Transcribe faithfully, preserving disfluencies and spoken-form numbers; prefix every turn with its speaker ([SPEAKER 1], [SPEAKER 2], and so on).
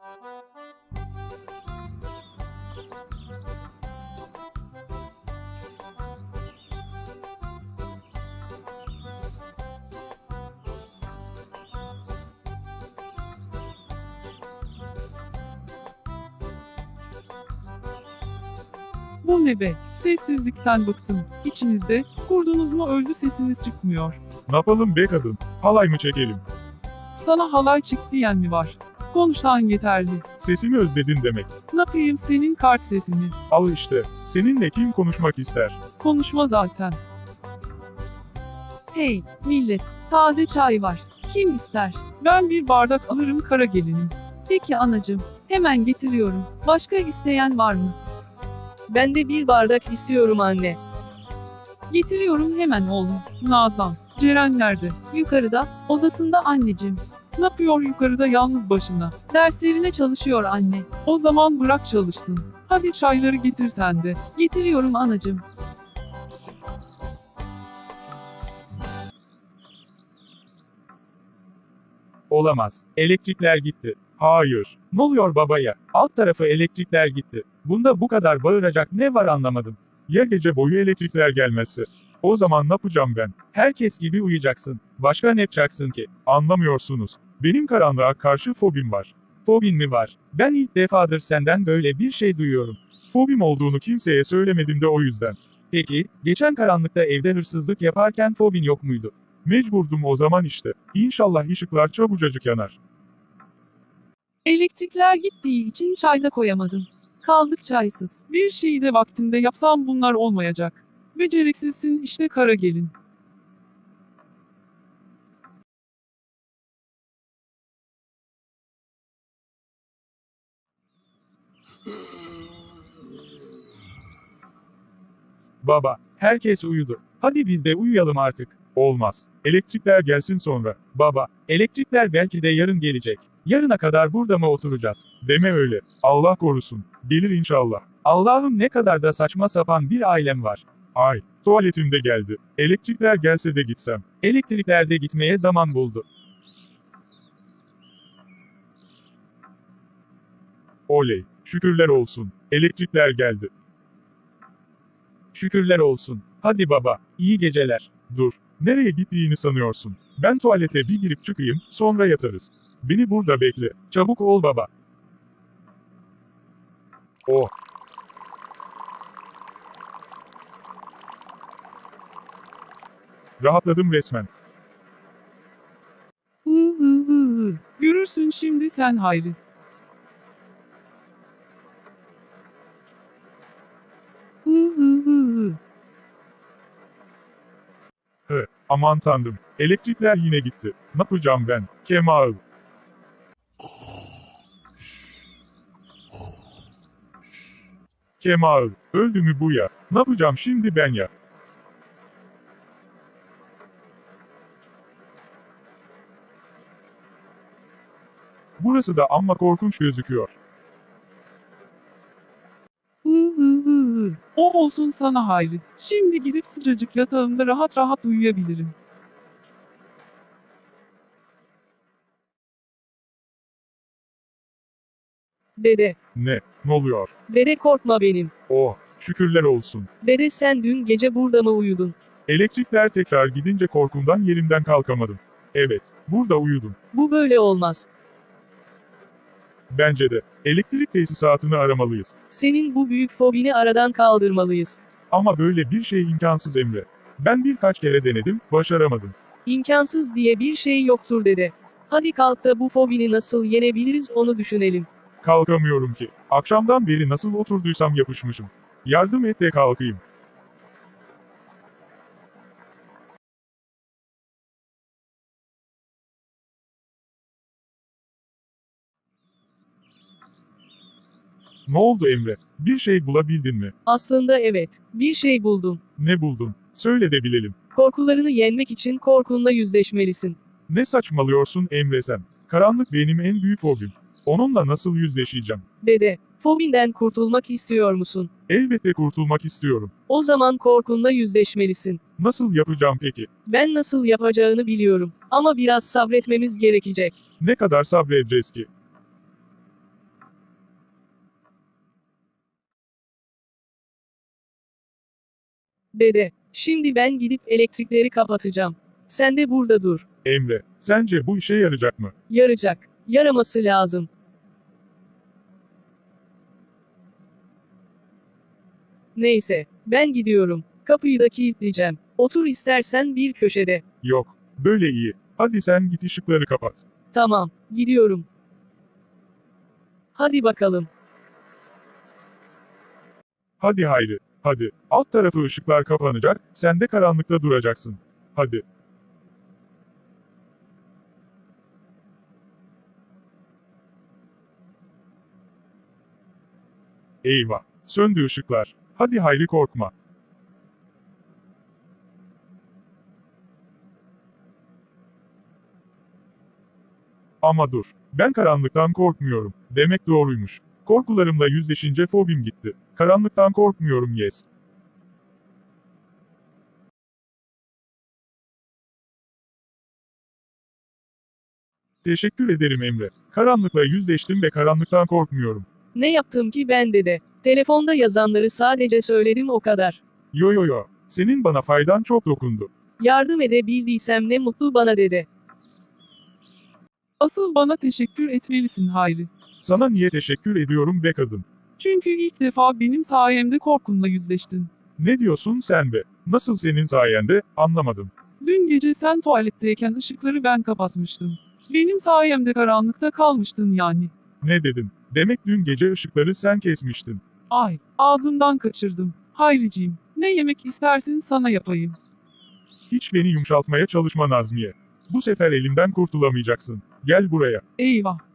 [SPEAKER 1] Bu ne be? Sessizlikten bıktım. İçinizde, kurdunuz mu öldü sesiniz çıkmıyor.
[SPEAKER 2] Ne yapalım be kadın? Halay mı çekelim?
[SPEAKER 1] Sana halay çık diyen mi var? Konuşsan yeterli.
[SPEAKER 2] Sesimi özledin demek.
[SPEAKER 1] Ne yapayım senin kart sesini?
[SPEAKER 2] Al işte. Seninle kim konuşmak ister?
[SPEAKER 1] Konuşma zaten. Hey, millet, taze çay var. Kim ister? Ben bir bardak alırım kara gelinim. Peki anacım, hemen getiriyorum. Başka isteyen var mı?
[SPEAKER 3] Ben de bir bardak istiyorum anne.
[SPEAKER 1] Getiriyorum hemen oğlum. Nazan, Ceren nerede? Yukarıda, odasında anneciğim. Ne yapıyor yukarıda yalnız başına? Derslerine çalışıyor anne. O zaman bırak çalışsın. Hadi çayları getir sen de. Getiriyorum anacığım.
[SPEAKER 2] Olamaz. Elektrikler gitti. Hayır. Ne oluyor babaya? Alt tarafı elektrikler gitti. Bunda bu kadar bağıracak ne var anlamadım. Ya gece boyu elektrikler gelmezse? O zaman ne yapacağım ben? Herkes gibi uyuyacaksın. Başka ne yapacaksın ki? Anlamıyorsunuz. Benim karanlığa karşı fobim var. Fobin mi var? Ben ilk defadır senden böyle bir şey duyuyorum. Fobim olduğunu kimseye söylemedim de o yüzden. Peki, geçen karanlıkta evde hırsızlık yaparken fobin yok muydu? Mecburdum o zaman işte. İnşallah ışıklar çabucacık yanar.
[SPEAKER 1] Elektrikler gittiği için çay da koyamadım. Kaldık çaysız. Bir şeyi de vaktinde yapsam bunlar olmayacak. Beceriksizsin işte kara gelin.
[SPEAKER 2] Baba, herkes uyudu. Hadi biz de uyuyalım artık. Olmaz. Elektrikler gelsin sonra. Baba, elektrikler belki de yarın gelecek. Yarına kadar burada mı oturacağız? Deme öyle. Allah korusun. Gelir inşallah. Allah'ım ne kadar da saçma sapan bir ailem var. Ay, tuvaletim de geldi. Elektrikler gelse de gitsem. Elektrikler de gitmeye zaman buldu. Oley, şükürler olsun. Elektrikler geldi. Şükürler olsun. Hadi baba, iyi geceler. Dur, nereye gittiğini sanıyorsun? Ben tuvalete bir girip çıkayım, sonra yatarız. Beni burada bekle. Çabuk ol baba. Oh. Rahatladım resmen.
[SPEAKER 1] Hı hı hı hı. Görürsün şimdi sen Hayri. Hı hı hı hı.
[SPEAKER 2] Hı, aman tanrım. Elektrikler yine gitti. Ne yapacağım ben? Kemal. Kemal, öldü mü bu ya? Ne yapacağım şimdi ben ya? Burası da amma korkunç gözüküyor.
[SPEAKER 1] Hı hı hı hı. O olsun sana Hayri. Şimdi gidip sıcacık yatağımda rahat rahat uyuyabilirim.
[SPEAKER 3] Dede.
[SPEAKER 2] Ne? Ne oluyor?
[SPEAKER 3] Dede korkma benim.
[SPEAKER 2] Oh, şükürler olsun.
[SPEAKER 3] Dede sen dün gece burada mı uyudun?
[SPEAKER 2] Elektrikler tekrar gidince korkumdan yerimden kalkamadım. Evet, burada uyudum.
[SPEAKER 3] Bu böyle olmaz.
[SPEAKER 2] Bence de. Elektrik tesisatını aramalıyız.
[SPEAKER 3] Senin bu büyük fobini aradan kaldırmalıyız.
[SPEAKER 2] Ama böyle bir şey imkansız Emre. Ben birkaç kere denedim, başaramadım.
[SPEAKER 3] İmkansız diye bir şey yoktur dede. Hadi kalk da bu fobini nasıl yenebiliriz onu düşünelim.
[SPEAKER 2] Kalkamıyorum ki. Akşamdan beri nasıl oturduysam yapışmışım. Yardım et de kalkayım. Ne oldu Emre? Bir şey bulabildin mi?
[SPEAKER 3] Aslında evet, bir şey buldum.
[SPEAKER 2] Ne buldun? Söyle de bilelim.
[SPEAKER 3] Korkularını yenmek için korkunla yüzleşmelisin.
[SPEAKER 2] Ne saçmalıyorsun Emre sen? Karanlık benim en büyük hobim. Onunla nasıl yüzleşeceğim?
[SPEAKER 3] Dede, fobinden kurtulmak istiyor musun?
[SPEAKER 2] Elbette kurtulmak istiyorum.
[SPEAKER 3] O zaman korkunla yüzleşmelisin.
[SPEAKER 2] Nasıl yapacağım peki?
[SPEAKER 3] Ben nasıl yapacağını biliyorum. Ama biraz sabretmemiz gerekecek.
[SPEAKER 2] Ne kadar sabredeceğiz ki?
[SPEAKER 3] Dede, şimdi ben gidip elektrikleri kapatacağım. Sen de burada dur.
[SPEAKER 2] Emre, sence bu işe yarayacak mı?
[SPEAKER 3] Yarayacak. Yaraması lazım. Neyse, ben gidiyorum. Kapıyı da kilitleyeceğim. Otur istersen bir köşede.
[SPEAKER 2] Yok, böyle iyi. Hadi sen git ışıkları kapat.
[SPEAKER 3] Tamam, gidiyorum. Hadi bakalım.
[SPEAKER 2] Hadi Hayri, hadi. Alt tarafı ışıklar kapanacak, sen de karanlıkta duracaksın. Hadi. Eyvah, söndü ışıklar. Hadi Hayri korkma. Ama dur, ben karanlıktan korkmuyorum. Demek doğruymuş. Korkularımla yüzleşince fobim gitti. Karanlıktan korkmuyorum yes. Teşekkür ederim Emre. Karanlıkla yüzleştim ve karanlıktan korkmuyorum.
[SPEAKER 3] Ne yaptım ki ben dede? Telefonda yazanları sadece söyledim o kadar.
[SPEAKER 2] Yo yo yo, senin bana faydan çok dokundu.
[SPEAKER 3] Yardım edebildiysem ne mutlu bana dede.
[SPEAKER 1] Asıl bana teşekkür etmelisin Hayri.
[SPEAKER 2] Sana niye teşekkür ediyorum be kadın?
[SPEAKER 1] Çünkü ilk defa benim sayemde korkunla yüzleştin.
[SPEAKER 2] Ne diyorsun sen be? Nasıl senin sayende, anlamadım.
[SPEAKER 1] Dün gece sen tuvaletteyken ışıkları ben kapatmıştım. Benim sayemde karanlıkta kalmıştın yani.
[SPEAKER 2] Ne dedin? Demek dün gece ışıkları sen kesmiştin.
[SPEAKER 1] Ay, ağzımdan kaçırdım. Hayriciğim, ne yemek istersin sana yapayım.
[SPEAKER 2] Hiç beni yumuşatmaya çalışma Nazmiye. Bu sefer elimden kurtulamayacaksın. Gel buraya.
[SPEAKER 1] Eyvah,